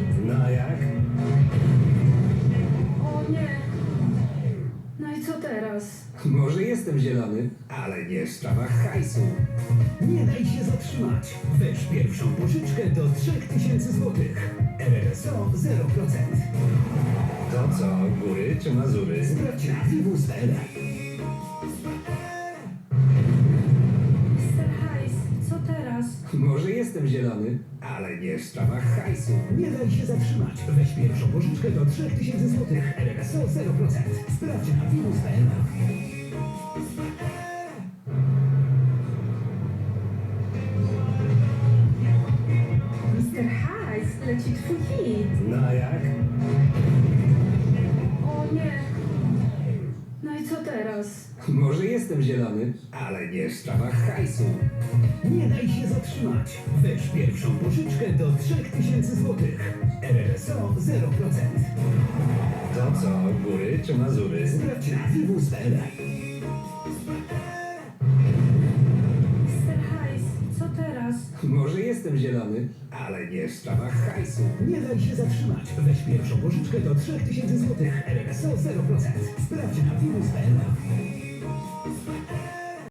No a jak? O nie. No i co teraz? Może jestem zielony, ale nie w sprawach hajsu. Nie daj się zatrzymać. Weź pierwszą pożyczkę do 3000 zł. RRSO 0%. To co, góry czy Mazury? Sprawdź na vivus.pl. Mr. Hajs, co teraz? Może jestem zielony, ale nie w sprawach hajsu. Nie daj się zatrzymać. Weź pierwszą pożyczkę do 3000 zł. RRSO 0%. Sprawdź na vivus.pl. Mr. Hajs, leci twój hit. No a jak? O nie. No i co teraz? Może jestem zielony, ale nie w sprawach hajsu. Nie daj się zatrzymać. Weź pierwszą pożyczkę do 3000 zł. RRSO 0%. To co, góry czy Mazury? Sprawdź na vivus.pl. Mr. Hajs, co teraz? Może jestem zielony, ale nie w sprawach hajsu. Nie daj się zatrzymać. Weź pierwszą pożyczkę do 3000 zł. RRSO 0%. Sprawdź na vivus.pl.